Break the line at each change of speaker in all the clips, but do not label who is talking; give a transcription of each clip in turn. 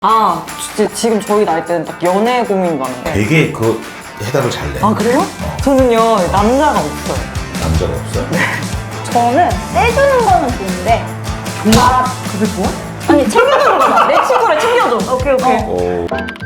아, 지금 저희 나이 때는 딱 연애 고민 많은데.
되게 그 해답을 잘 내.
아, 그래요? 저는요, 남자가 없어요.
남자가 없어요? 네.
저는 떼주는 거는 좋은데
정말? 그게 좋아?
아니 챙겨주는 거야.
내 친구를 챙겨줘. 오케이, 오케이.
오.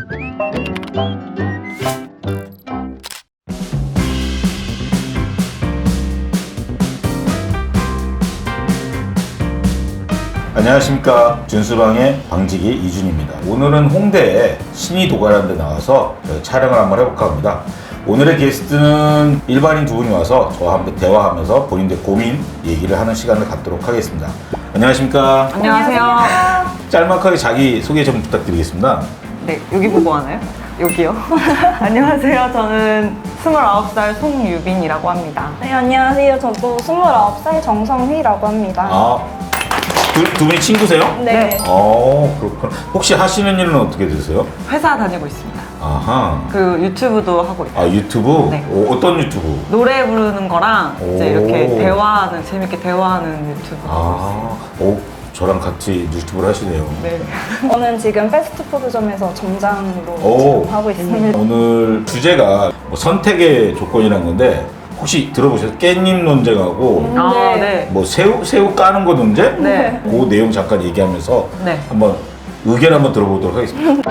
안녕하십니까, 준수방의 방지기 이준입니다. 오늘은 홍대에 신이 도가라는 데 나와서 촬영을 한번 해볼까 합니다. 오늘의 게스트는 일반인 두 분이 와서 저와 함께 대화하면서 본인들 고민 얘기를 하는 시간을 갖도록 하겠습니다. 안녕하십니까.
안녕하세요.
짤막하게 자기 소개 좀 부탁드리겠습니다.
네, 여기 보고 하나요? 여기요. 안녕하세요. 저는 29살 송유빈이라고 합니다.
네, 안녕하세요. 저도 29살 정성휘라고 합니다.
아, 두 분이 친구세요?
네.
그렇구나. 혹시 하시는 일은 어떻게 되세요?
회사 다니고 있습니다.
아하.
그 유튜브도 하고 있어요.
아, 유튜브?
네.
어떤 유튜브?
노래 부르는 거랑 이제
오.
이렇게 대화하는, 재밌게 대화하는 유튜브 하고 있어요.
저랑 같이 유튜브를 하시네요.
네.
저는 지금 패스트푸드점에서 점장으로
오.
지금 하고 있습니다.
오늘 주제가 뭐 선택의 조건이란 건데, 혹시 들어보셨어요? 깻잎 논쟁하고
아,
네.
네.
뭐 새우 까는 거 논쟁?
네.
그 내용 잠깐 얘기하면서
네.
한번 의견 한번 들어보도록 하겠습니다.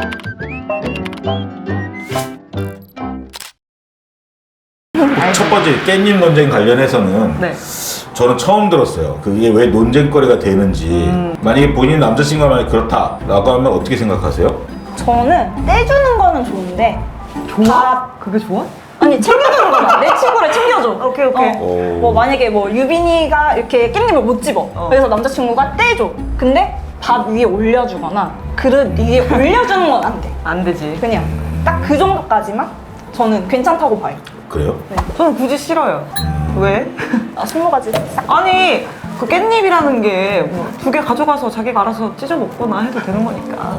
첫 번째 깻잎 논쟁 관련해서는
네.
저는 처음 들었어요. 그게 왜 논쟁거리가 되는지. 만약에 본인 남자친구가 만약 그렇다라고 하면 어떻게 생각하세요?
저는 떼주는 거는 좋은데
좋아? 그게 좋아?
아니 챙겨주는 거야. 내 친구를 챙겨줘.
오케이, 오케이.
오.
뭐 만약에 뭐 유빈이가 이렇게 깻잎을 못 집어. 그래서 남자친구가 떼줘. 근데 밥 위에 올려주거나 그릇 위에 올려주는 건 안 돼.
안 되지.
그냥 딱 그 정도까지만 저는 괜찮다고 봐요.
그래요?
저는 굳이 싫어요. 왜?
아, 20가지 싹.
아니, 그 깻잎이라는 게 뭐 두 개 가져가서 자기가 알아서 찢어 먹거나 해도 되는 거니까.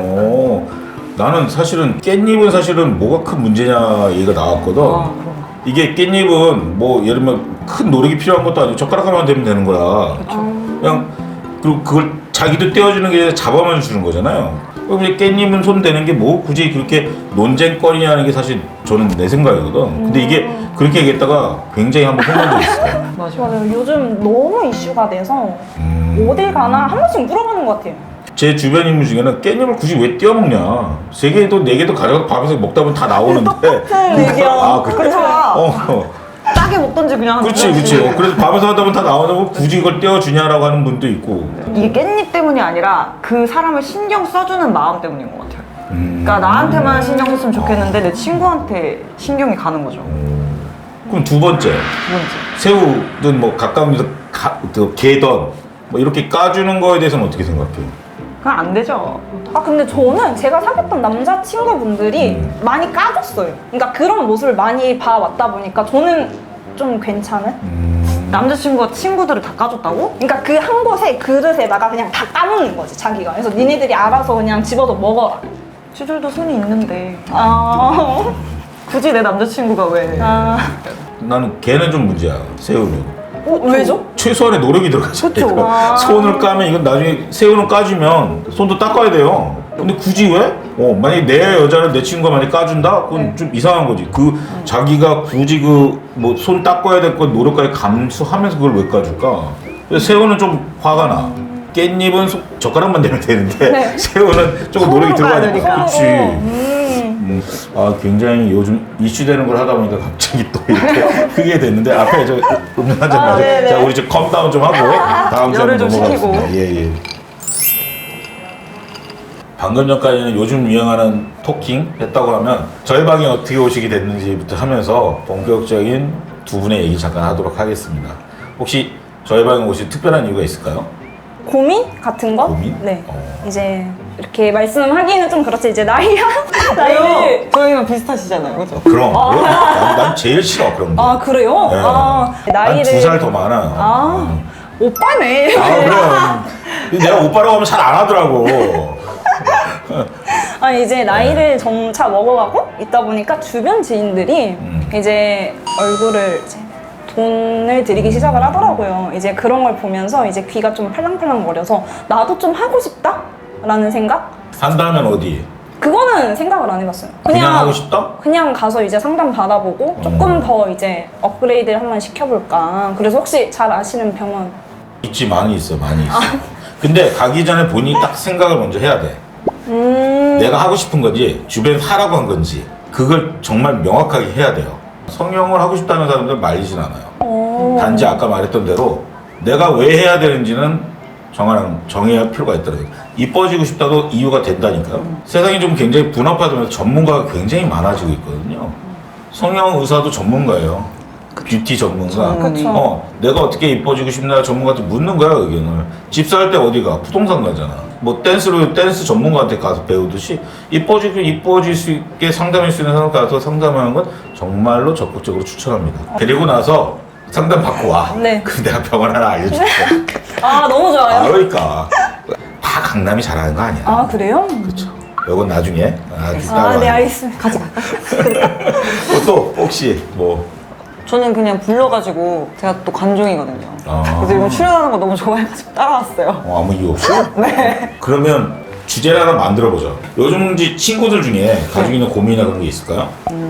나는 사실은 깻잎은 사실은 뭐가 큰 문제냐 얘기가 나왔거든.
그럼.
이게 깻잎은 뭐 예를 들면 큰 노력이 필요한 것도 아니고 젓가락 하나만 대면 되는 거라. 그냥 그리고 그걸 자기도 떼어주는 게 아니라 잡아만 주는 거잖아요. 그럼 이제 깻잎은 손 대는 게 뭐 굳이 그렇게 논쟁거리냐는 게 사실 저는 내 생각이거든. 근데 이게 그렇게 얘기했다가 굉장히 한번 혼난 적이 있어요.
맞아.
맞아요. 요즘 너무 이슈가 돼서 어딜 가나 한 번씩 물어보는 것 같아요.
제 주변 인물 중에는 깻잎을 굳이 왜 떼어 먹냐? 3개도 4개도 가져가서 밥에서 먹다 보면 다 나오는데.
똑같은 의견.
아, 그래?
그쵸.
어.
짜게 먹던지 그냥.
그렇지, 그렇지. 그래서 밥에서 하다 보면 다 나오는데 굳이 이걸 떼어주냐라고 하는 분도 있고.
이게 깻잎 때문이 아니라 그 사람을 신경 써주는 마음 때문인 것 같아요. 그러니까 나한테만 신경 썼으면 좋겠는데 내 친구한테 신경이 가는 거죠.
그럼 두 번째,
두 번째.
새우든 뭐 가까운 데서 게든 뭐 이렇게 까주는 거에 대해서는 어떻게 생각해요?
그건 안 되죠.
아 근데 저는 제가 사귀었던 남자친구분들이 많이 까줬어요. 그러니까 그런 모습을 많이 봐왔다 보니까 저는 좀 괜찮은?
남자친구가 친구들을 다 까줬다고?
그러니까 그 한 곳에 그릇에다가 그냥 다 까놓는 거지 자기가. 그래서 니네들이 알아서 그냥 집어서 먹어라.
쥐들도 손이 있는데
아,
굳이 내 남자친구가 왜?
나는 걔는 좀 문제야, 새우는.
왜죠?
최소한의 노력이 들어가잖아요.
그쵸.
그러니까 손을 까면 이건 나중에 새우는 까주면 손도 닦아야 돼요. 근데 굳이 왜? 만약에 내 여자를 내 친구가 많이 까준다? 그건 좀 이상한 거지. 자기가 굳이 뭐 손 닦아야 될 건 노력까지 감수하면서 그걸 왜 까줄까? 그래서 새우는 좀 화가 나. 깻잎은 젓가락만 대면 되는데
네.
새우는 조금 노력이
손으로
들어가야
까야
되니까.
되니까.
그렇지. 굉장히 요즘 이슈되는 걸 하다 보니까 갑자기 또 이렇게 크게 됐는데 앞에 저 음료 한잔 마셔.
네네.
자, 우리 저 컴다운 좀 하고 다음 주에
열을 좀
넘어가겠습니다.
식히고.
예. 방금 전까지는 요즘 유행하는 토킹 했다고 하면 저희 방에 어떻게 오시게 됐는지부터 하면서 본격적인 두 분의 얘기 잠깐 하도록 하겠습니다. 혹시 저희 방에 오신 특별한 이유가 있을까요?
고민 같은 거?
고민?
네. 이제 이렇게 말씀하기는 좀 그렇지. 이제 나이를
저희랑 비슷하시잖아요, 그죠?
그럼 난 제일 싫어 그런 거.
아 그래요?
네.
나이를
난 2살 더 많아.
오빠네.
그럼 내가 오빠라고 하면 잘 안 하더라고.
이제 나이를 점차 먹어가고 있다 보니까 주변 지인들이 이제 얼굴을 이제 돈을 들이기 시작을 하더라고요. 이제 그런 걸 보면서 이제 귀가 좀 팔랑팔랑 거려서 나도 좀 하고 싶다라는 생각
한다면 어디?
그거는 생각을 안 해봤어요.
그냥 하고 싶다?
그냥 가서 이제 상담 받아보고 조금 더 이제 업그레이드를 한번 시켜볼까. 그래서 혹시 잘 아시는 병원?
있지, 많이 있어, 많이 있어. 근데 가기 전에 본인이 딱 생각을 먼저 해야 돼. 내가 하고 싶은 건지 주변에서 하라고 한 건지 그걸 정말 명확하게 해야 돼요. 성형을 하고 싶다는 사람들 말리진 않아요. 단지 아까 말했던 대로 내가 왜 해야 되는지는 정해야 할 필요가 있더라고요. 이뻐지고 싶다도 이유가 된다니까요. 세상이 좀 굉장히 분업화되면서 전문가가 굉장히 많아지고 있거든요. 성형 의사도 전문가예요. 뷰티 전문가.
그쵸.
내가 어떻게 이뻐지고 싶나 전문가한테 묻는 거야, 의견을. 집 살 때 어디가? 부동산 가잖아. 뭐 댄스 전문가한테 가서 배우듯이 이뻐질 수 있게 상담할 수 있는 사람 가서 상담하는 건 정말로 적극적으로 추천합니다. 그리고 나서 상담 받고 와.
네.
그럼 내가 병원 하나 알려줄게.
아, 너무 좋아요.
그러니까 다 강남이 잘하는 거 아니야.
아, 그래요?
그렇죠. 이건 나중에.
네, 알겠습니다.
같이 갈까요?
또 혹시 뭐
저는 그냥 불러가지고 제가 또 관종이거든요. 그래서 이거 출연하는 거 너무 좋아해가지고 따라왔어요.
아무 이유 없이? 네. 그러면 주제를 하나 만들어보자. 요즘 친구들 중에 가지고 있는 고민이나 그런 게 있을까요?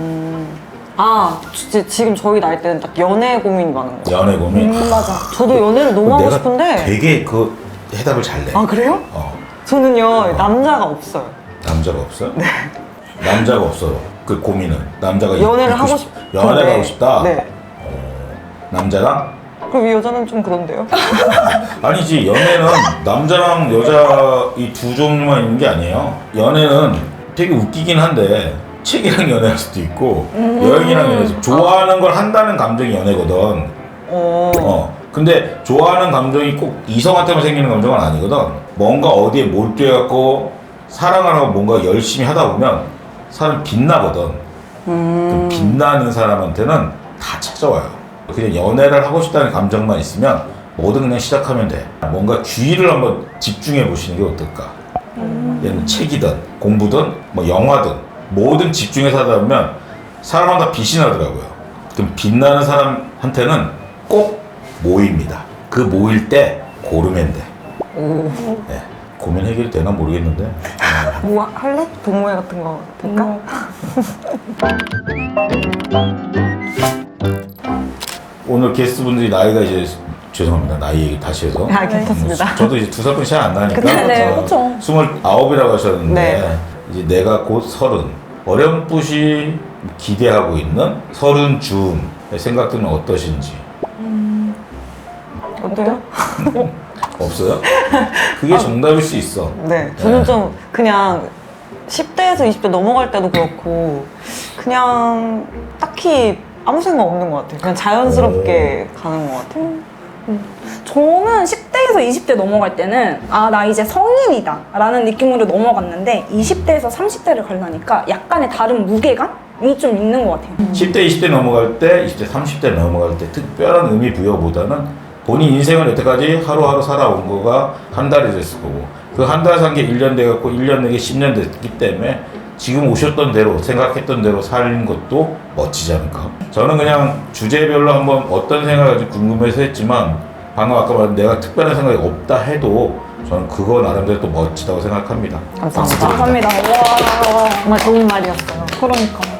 지금 저희 나이 때는 딱 연애 고민이 많은 거예요.
연애 고민?
맞아.
저도 연애를 너무 하고
내가
싶은데.
되게 그 해답을 잘 내.
아, 그래요?
어.
저는요, 남자가 없어요.
남자가 없어요? 네. 남자가 없어요. 그 고민은 남자가
연애를
있고
하고
연애를
싶은데.
하고 싶다.
네.
남자랑?
그럼 이 여자는 좀 그런데요?
아니지, 연애는 남자랑 여자 이 두 종류만 있는 게 아니에요. 연애는 되게 웃기긴 한데 책이랑 연애할 수도 있고 여행이랑 연애할 수도 있고 좋아하는 걸 한다는 감정이 연애거든. 근데 좋아하는 감정이 꼭 이성한테만 생기는 감정은 아니거든. 뭔가 어디에 몰두해갖고 사랑을 하고 뭔가 열심히 하다 보면 사람이 빛나거든. 그 빛나는 사람한테는 다 찾아와요. 그냥 연애를 하고 싶다는 감정만 있으면 뭐든 그냥 시작하면 돼. 뭔가 주의를 한번 집중해 보시는 게 어떨까. 얘는 책이든 공부든 뭐 영화든 뭐든 집중해서 하다 보면 사람마다 빛이 나더라고요. 그럼 빛나는 사람한테는 꼭 모입니다. 그 모일 때 고르면 돼. 네. 고민 해결이 되나 모르겠는데.
뭐 할래? 동호회 같은 거 될까?
오늘 게스트분들이 나이가 이제 죄송합니다. 나이 얘기 다시 해서.
괜찮습니다.
저도 이제 2살 차이 안 나니까.
네, 그쵸.
29이라고 하셨는데
네.
이제 내가 곧 30. 어렴풋이 기대하고 있는 30 즈음의 생각들은 어떠신지.
어때요?
없어요? 그게 정답일 수 있어.
네. 저는 좀 그냥 10대에서 20대 넘어갈 때도 그렇고 그냥 딱히 아무 생각 없는 것 같아요. 그냥 자연스럽게 가는 것 같아요.
저는 10대에서 20대 넘어갈 때는 나 이제 성인이다 라는 느낌으로 넘어갔는데 20대에서 30대를 가려니까 약간의 다른 무게감이 좀 있는 것 같아요.
10대, 20대 넘어갈 때, 20대, 30대 넘어갈 때 특별한 의미 부여보다는 본인 인생을 여태까지 하루하루 살아온 거가 한 달이 됐을 거고 그 한 달 산 게 1년 돼갖고 1년 내게 10년 됐기 때문에 지금 오셨던 대로 생각했던 대로 사는 것도 멋지지 않을까. 저는 그냥 주제별로 한번 어떤 생각을 가지고 궁금해서 했지만 방금 아까 말한 내가 특별한 생각이 없다 해도 저는 그거 나름대로 또 멋지다고 생각합니다.
감사합니다.
감사합니다. 와,
정말 좋은 말이었어요.
그러니까.